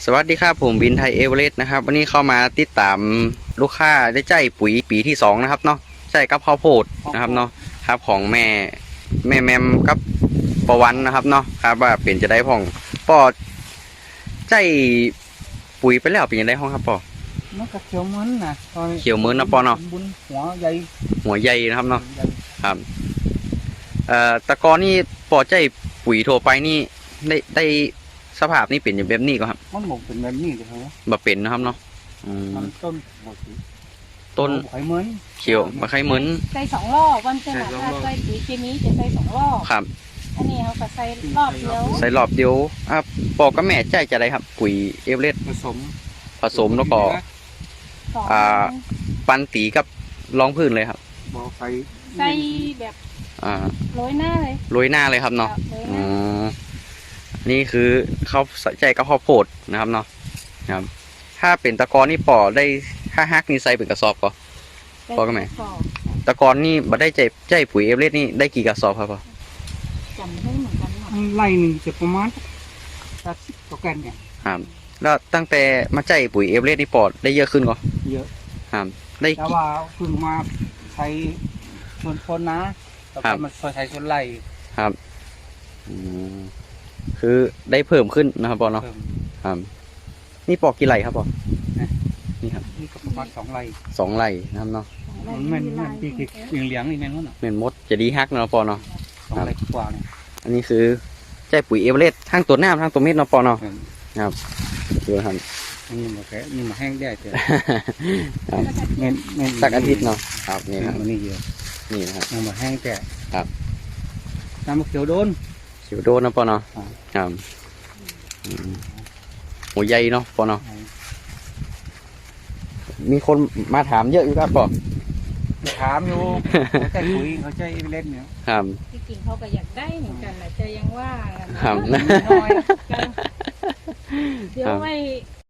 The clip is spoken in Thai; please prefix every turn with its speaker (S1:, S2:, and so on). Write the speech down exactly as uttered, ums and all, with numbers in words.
S1: สวัสดีครับผมบินไทยเอเวอเรสต์นะครับวันนี้เข้ามาติดตามลูกค้าได้ใจปุ๋ยปีที่สองนะครับเนาะใช่กับข้าวโพดนะครับเนาะครับของแม่แม่แมมกับปอวันนะครับเนาะครับว่าเป็นจะได้พ่องปอใจปุ๋ยไปแล้วเป็นยังไงห้องครับปอ
S2: nó cắt chiều mướn nè thôi
S1: เขียวเหมือนนะปอเนาะ
S2: búnหัวใหญ่
S1: หัวใหญ่นะครับเนาะ
S2: ใหญ่
S1: ครับเอ่อตะกอนนี่ปอใจปุ๋ยโทรไปนี่ได้ได้สภาพนี่เป็นอย่างแบบนี้ก็ครับ
S2: มันหมกเป็นแบบนี้เลยเหรอ
S1: บ่เป็นนะครับเนาะอืม
S2: มันต้นหมดสิ
S1: ต้น
S2: ไข่เหมือน
S1: เขียวมาคล้ายเหมือน
S3: ใส่สองรอบวันเสาร์
S2: ใส่สอง
S3: ถ้าร
S2: อบ
S3: ใส่ปุ๋ยเคมีจะใส่สองรอบ
S1: ครับ
S3: อันนี้เขาก็ใส่รอบเดียว
S1: ใส่รอบเดียวอ่ะปอกับแม่ใจจะได้ครับปุ๋ยเอเวอเรสต์
S2: ผสม
S1: ผสมแล้วก็
S3: สอง
S1: อ่า ปันตีกับรองพื้นเลยครับ
S2: บ่อไฟ
S3: ใส่แบบ
S1: อ่า
S3: โรยหน้าเลย
S1: โรยหน้าเลยครับเนาะ
S3: โรยห
S1: อ๋
S3: น้า
S1: อนี่คือเขาใส่ใจกับข้าวโพดนะครับเนาะครับ ถ้าเป็นตะกอนนี่ปอได้ถ้าฮักนี่ใส่เป็นกระสอบก็ พอกันไหม
S3: สอบ
S1: ตะกอนนี่บัได้ใจใจปุ๋ยเอเวอเรสต์นี่ได้กี่กระสอบครับปอ
S3: จำได้เหมือนกันหมด
S2: ไล่หนึ่งจะประมาณสักสิบกว่าแกนเนี่ย
S1: ครับแล้วตั้งแต่มาใจปุ๋ยเอเวอเรสต์นี่ปอได้เยอะขึ้นก็
S2: เยอะ
S1: ครับได้
S2: แต่
S1: กี่
S2: ว่าเพิ่งมาใช้ส่วนคนนะต่อ
S1: ครั
S2: ไป
S1: บ
S2: มันใช้ส่วนไล่
S1: ครับอืมคือได้เพิ่มขึ้นนะครับปอเนาะ
S2: เพิ่ม
S1: ครับนี่ปอกกี่ไร่ครับปอ
S2: นะ
S1: นี่ครับ
S2: นี่ก็ประมาณสองไร่
S1: สองไร่นะครับเนาะ
S2: มันแม่นแม่นพี่คือเหลียงๆนี่แม่นวะน่ะ
S1: เมนมดจะดีฮักเนาะปอเนาะ
S2: สองไร่กว่าเนี่ย
S1: อันนี้คือใจปุ๋ยเอเวอเรสต์ทั้งตัวหน้าทั้งตัวเม็ดเนาะปอเนาะ
S2: เออ
S1: ครับดูครับ
S2: อันนี้มาแค่นี่มาแห้งได้เถอะ
S1: ครับ
S2: แม่นแม่น
S1: สักอาทิตย์เนาะครับนี่
S2: นี่
S1: ครับ
S2: มันนี่เยอะ
S1: นี่นะครับ
S2: น้ำมาแห้งแต่
S1: ครับ
S2: น้ำมะเขียวโดน
S1: สิวโดนเนาะปอเนาะ
S2: อ่า
S1: ครับอืมหัวใหญ่เนาะปอเนาะมีคนมาถามเยอะอยู่ครับปอ
S2: ถามอยู่ เขาใจคุยเขาใจเล่นเนี่ย
S1: ครับ
S3: ที่จริงเขาก็อยากได้เหมือนกันแหละจะยังว่ากัน
S1: ครับ
S2: น้อย
S3: เดี๋ยวไว้